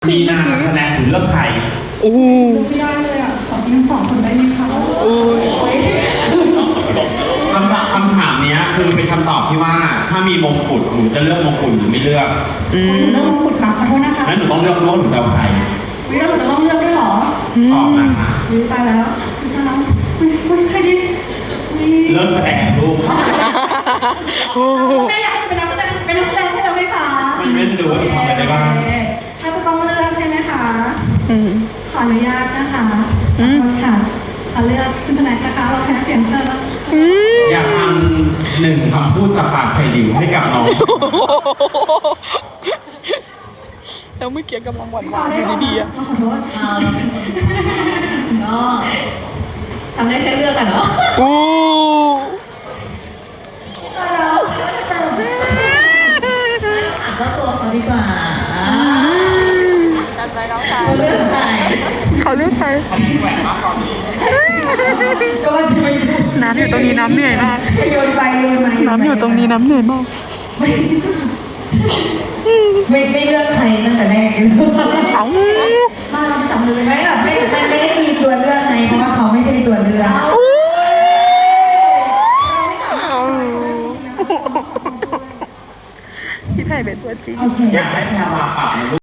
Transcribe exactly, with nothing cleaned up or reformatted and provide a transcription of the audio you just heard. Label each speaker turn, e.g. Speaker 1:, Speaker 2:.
Speaker 1: มีนาคะแนนถึงเลือกใคร
Speaker 2: โอ้
Speaker 3: ไม่ได้เลยอ่ะขอทิ้งสองคนได้ไหมคะ
Speaker 2: โอ้ย
Speaker 1: คำถามคำถามนี้คือเป็นคำตอบที่ว่าถ้ามีมงกุฎหนูจะเลือกมงกุฎหรือไม่เลือก
Speaker 3: หนูเลือกมงกุฎค่ะขอโทษนะคะ
Speaker 1: งั้นหนูต้องเลือกว่าหนูจะเอาใคร
Speaker 3: วิเราจะต้องเลือกด้วยหรอ
Speaker 1: ตอบมาค่ะ
Speaker 3: ตายแล้วตายแล้วไม่ใครดี
Speaker 1: เลิกแสดงลูก
Speaker 3: แม่อยากให้เป็นนักแสดงเป็นนักแสดงให้เราไหมคะ
Speaker 1: ไม่ไม่จะดูว่าหนูทำอะไรได้บ้าง
Speaker 3: ถ้าจะต้องเลือกใช่ไหมคะขออนุญาตนะคะค่ะขอเลือกคุณธนานะคะเราแพ้เสียงเธอแล้ว
Speaker 1: อยากทำหนึ่งคำพูดจากปากไผ่ดิวให้กับน้อง
Speaker 2: แล้วเมื่อกี้กำลังหวานหวานอยู่ดีๆอ่ะ
Speaker 3: ขอโทษ
Speaker 4: ก็ทำได้แค่เลือกกันเนาะ
Speaker 2: โอ้
Speaker 4: ก็ตัวเขาดีกว่า
Speaker 2: กันไปน้องชาย
Speaker 4: เขาเลือกใคร
Speaker 2: เขาเลือกใคร
Speaker 1: แหวนมากตอนนี้
Speaker 3: ก็ว่าจะไม่
Speaker 2: น้ำอยู่ตรงนี้น้ำเหนื่อยมาก
Speaker 3: โยนไปโยนมา
Speaker 2: น้ำอยู่ตรงนี้น้ำเหนื่อยมาก
Speaker 3: ไม่ไม่เลือกใครตั้งแต่แรกเลย
Speaker 2: เอ้า
Speaker 3: มาเราจับเลย
Speaker 4: ไม่แบบไม่มันไม่ได้มีตัวเลือกไงเพราะว่าเขาไม่ใช่ตัวเลือก
Speaker 2: พี่ไผ่เป็นตัวจริง
Speaker 1: อยากให้แพรวาปรับ